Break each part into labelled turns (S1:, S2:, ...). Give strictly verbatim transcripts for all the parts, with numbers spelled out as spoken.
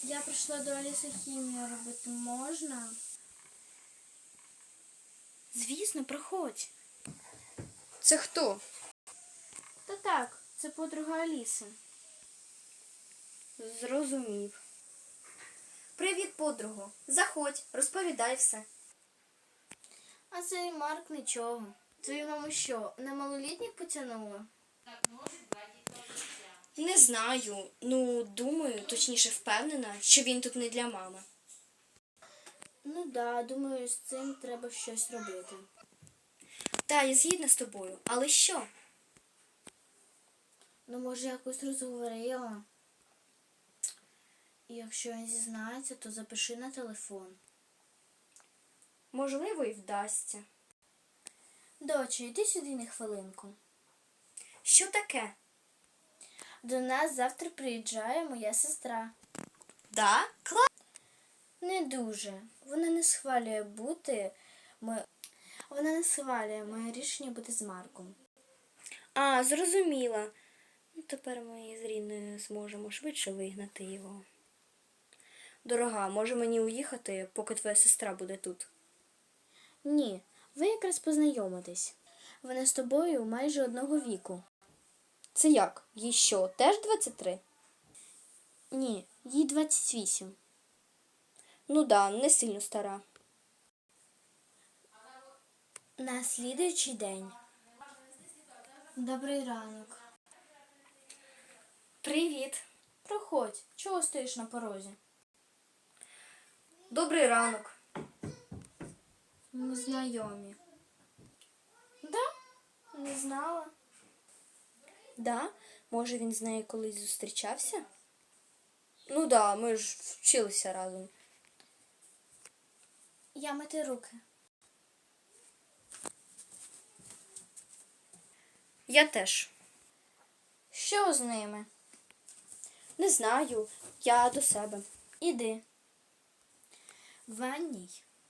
S1: Я прийшла до Аліси хімію робити. Можна?
S2: Звісно, проходь.
S3: Це хто?
S1: Та так, це подруга Аліси.
S2: Зрозумів. Привіт, подруго. Заходь, розповідай все.
S1: А цей Марк нічого. Твою маму що, на малолітніх потягнула?
S2: Не знаю. Ну, думаю, точніше впевнена, що він тут не для мами.
S1: Ну да, думаю, з цим треба щось робити.
S2: Та, я згідна з тобою. Але що?
S1: Ну, може, якось розговорила. І якщо він зізнається, то запиши на телефон.
S2: Можливо, і вдасться.
S1: Доча, йди сюди на хвилинку.
S2: Що таке?
S1: До нас завтра приїжджає моя сестра.
S2: Да? Клас.
S1: Не дуже. Вона не схвалює бути... Ми... Вона не схвалює моє рішення бути з Марком.
S2: А, зрозуміла. Ну, тепер ми з Ріною зможемо швидше вигнати його. Дорога, може мені уїхати, поки твоя сестра буде тут?
S1: Ні, ви якраз познайомитесь. Вона з тобою майже одного віку.
S2: Це як? Їй що, теж двадцять три?
S1: Ні, їй двадцять вісім.
S2: Ну да, не сильно стара.
S1: На слідуючий день. Добрий ранок.
S2: Привіт.
S1: Проходь. Чого стоїш на порозі?
S2: Добрий ранок.
S1: Ми знайомі. Да? Не знала.
S2: Да? Може він з нею колись зустрічався? Ну да, ми ж вчилися разом.
S1: Я мити руки.
S2: Я теж.
S1: Що з ними?
S2: Не знаю, я до себе.
S1: Іди. В ванній.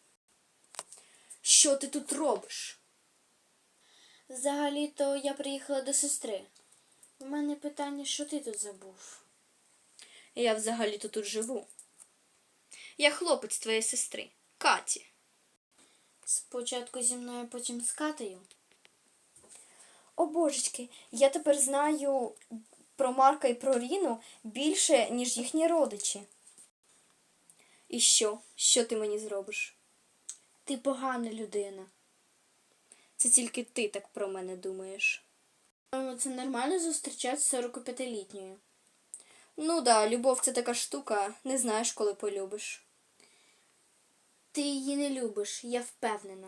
S2: Що ти тут робиш?
S1: Взагалі-то я приїхала до сестри. У мене питання, що ти тут забув?
S2: Я взагалі-то тут живу. Я хлопець твоєї сестри, Каті.
S1: Спочатку зі мною, потім з Катею.
S2: О, божечки, я тепер знаю про Марка і про Ріну більше, ніж їхні родичі. І що? Що ти мені зробиш?
S1: Ти погана людина.
S2: Це тільки ти так про мене думаєш.
S1: Це нормально зустрічатися з сорокап'ятилітньою.
S2: Ну да, любов це така штука, не знаєш, коли полюбиш.
S1: Ти її не любиш, я впевнена.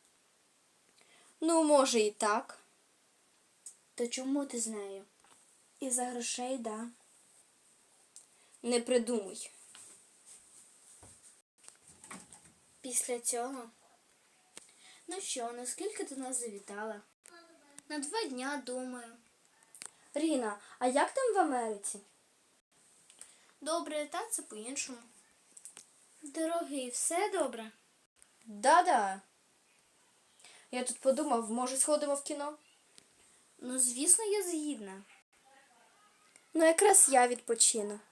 S2: Ну, може і так.
S1: То чому ти з нею? Із-за грошей, да.
S2: Не придумуй.
S1: Після цього? Ну що, наскільки ти нас завітала? На два дня, думаю.
S2: Ріна, а як там в Америці?
S1: Добре, та це по-іншому. Дорогий, все добре?
S2: Да-да. Я тут подумав, може сходимо в кіно?
S1: Ну, звісно, я згідна.
S2: Ну, якраз я відпочину.